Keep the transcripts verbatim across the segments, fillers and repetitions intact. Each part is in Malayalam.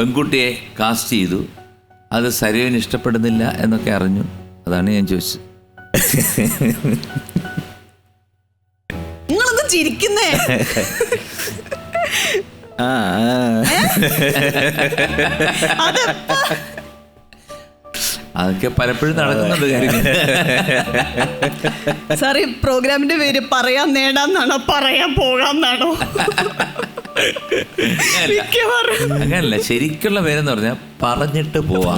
പെൺകുട്ടിയെ കാസ്റ്റ് ചെയ്തു, അത് സരയുവിന് ഇഷ്ടപ്പെടുന്നില്ല എന്നൊക്കെ അറിഞ്ഞു. അതാണ് ഞാൻ ചോദിച്ചത്. നിങ്ങളൊന്നും ചിരിക്കുന്നേ. അതൊക്കെ പലപ്പോഴും നടക്കുന്നുണ്ട് കാര്യങ്ങൾ. സാർ, ഈ പ്രോഗ്രാമിന്റെ പേര് പറയാൻ നേടാന്നാണോ പറയാൻ പോകാന്നാണോ? അങ്ങനല്ല, ശരിക്കുള്ള പേരെന്ന് പറഞ്ഞാൽ പറഞ്ഞിട്ട് പോവാം.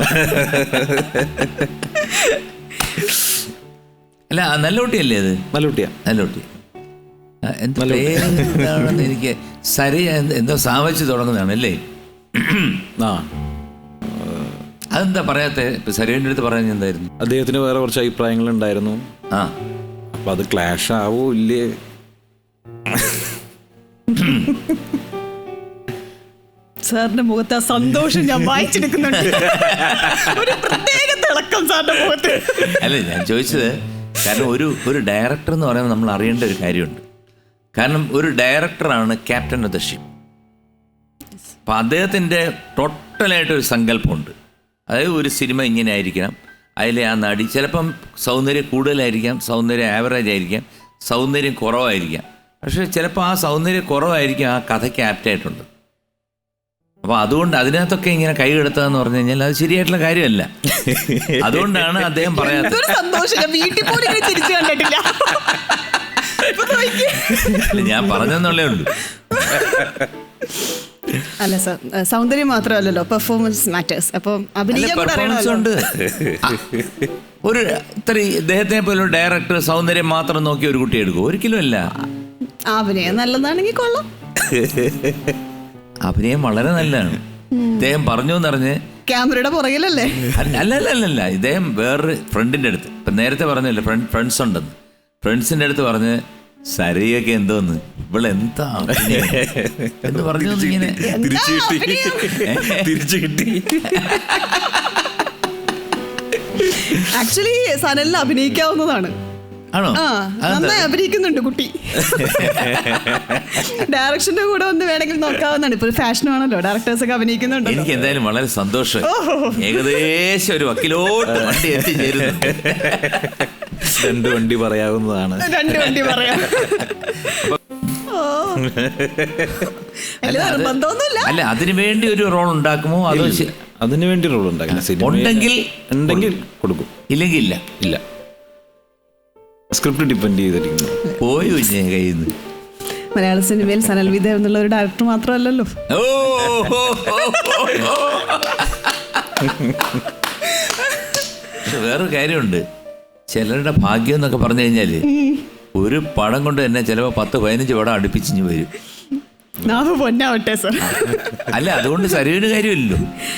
അല്ല, നല്ല കുട്ടിയല്ലേ അത്? നല്ല കുട്ടിയാ, നല്ല കുട്ടി. എന്താണെന്ന് എനിക്ക് സരി എന്തോ സാവച്ച് തുടങ്ങുന്നതാണല്ലേ? ആ, അതെന്താ പറയാത്ത? സരിയുടെ അടുത്ത് പറയാൻ എന്തായിരുന്നു? അദ്ദേഹത്തിന് വേറെ കുറച്ച് അഭിപ്രായങ്ങൾ ഉണ്ടായിരുന്നു. ആ, അപ്പൊ അത് ക്ലാഷ് ആവോ ഇല്ലേ? സാറിന്റെ മുഖത്ത് ആ സന്തോഷം ഞാൻ വായിച്ചെടുക്കുന്നുണ്ട്. ഒരു പ്രത്യേക തിളക്കം സാറിന്റെ മുഖത്ത്. അല്ല, ഞാൻ ചോദിച്ചത് കാരണം ഒരു ഒരു ഡയറക്ടർ എന്ന് പറയുമ്പോൾ നമ്മൾ അറിയേണ്ട ഒരു കാര്യമുണ്ട്. കാരണം ഒരു ഡയറക്ടറാണ് ക്യാപ്റ്റൻ ഓഫ് ദ ഷിപ്പ്. അപ്പം അദ്ദേഹത്തിൻ്റെ ടോട്ടലായിട്ടൊരു സങ്കല്പമുണ്ട്. അതായത് ഒരു സിനിമ ഇങ്ങനെ ആയിരിക്കണം, അതിലെ ആ നടി ചിലപ്പം സൗന്ദര്യം കൂടുതലായിരിക്കാം, സൗന്ദര്യം ആവറേജ് ആയിരിക്കാം, സൗന്ദര്യം കുറവായിരിക്കാം. പക്ഷേ ചിലപ്പോൾ ആ സൗന്ദര്യം കുറവായിരിക്കും ആ കഥയ്ക്ക് ആപ്റ്റായിട്ടുണ്ട്. അപ്പോൾ അതുകൊണ്ട് അതിനകത്തൊക്കെ ഇങ്ങനെ കൈ കെടുത്തതെന്ന് പറഞ്ഞു കഴിഞ്ഞാൽ അത് ശരിയായിട്ടുള്ള കാര്യമല്ല. അതുകൊണ്ടാണ് അദ്ദേഹം പറയാത്തത്. ഞാൻ പറഞ്ഞെന്നുള്ളേ ഉള്ളൂ. അല്ല സാർ, സൗന്ദര്യം മാത്രമല്ലല്ലോ, പെർഫോമൻസ് മാറ്റേഴ്സ്. അപ്പം പെർഫോമൻസ് ഉണ്ട്. ഒരു ഇത്ര ഇദ്ദേഹത്തിനെ പോലെ ഡയറക്ടർ സൗന്ദര്യം മാത്രം നോക്കി ഒരു കുട്ടി എടുക്കും? ഒരിക്കലും അല്ല. അഭിനയം നല്ലതാണെങ്കിൽ കൊള്ളാം. അഭിനയം വളരെ നല്ലതാണ്. ഇദ്ദേഹം പറഞ്ഞു എന്നറിഞ്ഞ് ക്യാമറയുടെ പുറകിലല്ലേ? അല്ല അല്ല അല്ലല്ല ഇദ്ദേഹം വേറൊരു ഫ്രണ്ടിന്റെ അടുത്ത്, ഇപ്പം നേരത്തെ പറഞ്ഞല്ലേ ഫ്രണ്ട് ഫ്രണ്ട്സ് ഉണ്ടെന്ന്, ഫ്രണ്ട്സിന്റെ അടുത്ത് പറഞ്ഞ് സരിയൊക്കെ എന്തോന്ന് ഇവളെന്താ എന്ന് പറഞ്ഞു. ഇങ്ങനെ തിരിച്ചു കിട്ടി. ആക്ച്വലി സനലിന് അഭിനയിക്കാവുന്നതാണ്. ആണോ? നന്നായി അഭിനയിക്കുന്നുണ്ട് കുട്ടി. ഡയറക്ഷന്റെ കൂടെ ഒന്ന് വേണമെങ്കിൽ നോക്കാവുന്നതാണ്. ഇപ്പൊ ഒരു ഫാഷനാണല്ലോ, ഡയറക്ടേഴ്സ് ഒക്കെ അഭിനയിക്കുന്നുണ്ട്. എനിക്ക് എന്തായാലും വളരെ സന്തോഷം. ഏകദേശം ഒരു വക്കിലോട്ട് വണ്ടി എത്തിച്ചേരുന്നു. രണ്ട് വണ്ടി പറയാവുന്നതാണ്. രണ്ട് വണ്ടി പറയാം. അല്ല, അതിനു വേണ്ടി ഒരു റോൾ ഉണ്ടാക്കുമോ? അതോ അതിനു വേണ്ടി റോൾ ഉണ്ടാക്കില്ല. ഉണ്ടെങ്കിൽ ഉണ്ടെങ്കിൽ കൊടുക്കും, ഇല്ലെങ്കിൽ ഇല്ല. ഇല്ല, സ്ക്രിപ്റ്റ് ഡിപ്പെൻഡ് ചെയ്തിരിക്കുന്നു. പോയി കയ്യിൽ നിന്ന്. മലയാള സിനിമയിൽ സനൽ വിദ്യ എന്നുള്ള ഒരു ഡയറക്ടർ മാത്രമല്ലല്ലോ. വേറൊരു കാര്യമുണ്ട്. ചിലരുടെ ഭാഗ്യം എന്നൊക്കെ പറഞ്ഞു കഴിഞ്ഞാല് ഒരു പടം കൊണ്ട് തന്നെ ചിലപ്പോ പത്ത് പതിനഞ്ച് പടം അടുപ്പിച്ചിഞ്ഞ് വരും. പൊന്നാവട്ടെ സർ. അല്ല, അതുകൊണ്ട് സരിവിന് കാര്യമില്ലല്ലോ.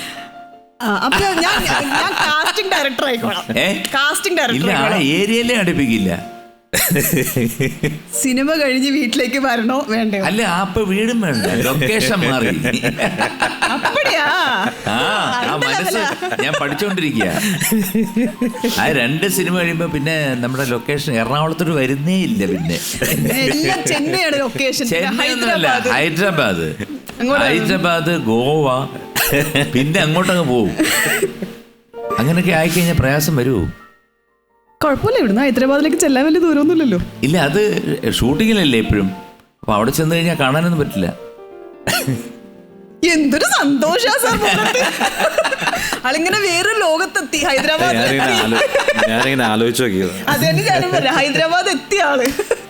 ഇല്ല, ആ ഏരിയയിലേ അടുപ്പിക്കില്ല. സിനിമ കഴിഞ്ഞ് വീട്ടിലേക്ക് വരണോ വേണ്ടോ? അല്ല, അപ്പൊ വീടും വേണ്ട, ലൊക്കേഷൻ മാറി. ആ മനസ്സ് ഞാൻ പഠിച്ചോണ്ടിരിക്കുക. ആ രണ്ട് സിനിമ കഴിയുമ്പോ പിന്നെ നമ്മുടെ ലൊക്കേഷൻ എറണാകുളത്തോട്ട് വരുന്നേ ഇല്ല. പിന്നെ ചെന്നൈയാണ് ലൊക്കേഷൻ. ചെന്നൈയൊന്നുമല്ല, ഹൈദരാബാദ്, ഹൈദരാബാദ്, ഗോവ, പിന്നെ അങ്ങോട്ടങ്ങ് പോവും. അങ്ങനെയൊക്കെ ആയിക്കഴിഞ്ഞാൽ പ്രയാസം വരുമോ? കുഴപ്പമില്ല, ഇവിടുന്ന് ഹൈദരാബാദിലേക്ക് ചെല്ലാൻ വലിയ ദൂരമൊന്നുമില്ലല്ലോ. ഇല്ല, അത് ഷൂട്ടിങ്ങിലല്ലേ എപ്പോഴും. അപ്പൊ അവിടെ ചെന്ന് കഴിഞ്ഞാൽ കാണാനൊന്നും പറ്റില്ല. എന്തൊരു സന്തോഷാ സാർ. ആളിങ്ങനെ വേറെ ലോകത്തെത്തി. ഹൈദരാബാദ് ഞാനിങ്ങനെ ആലോചിച്ചു നോക്കിയത്. അതെ, ഞാനും പറയാം, ഹൈദരാബാദ് എത്തിയ ആള്.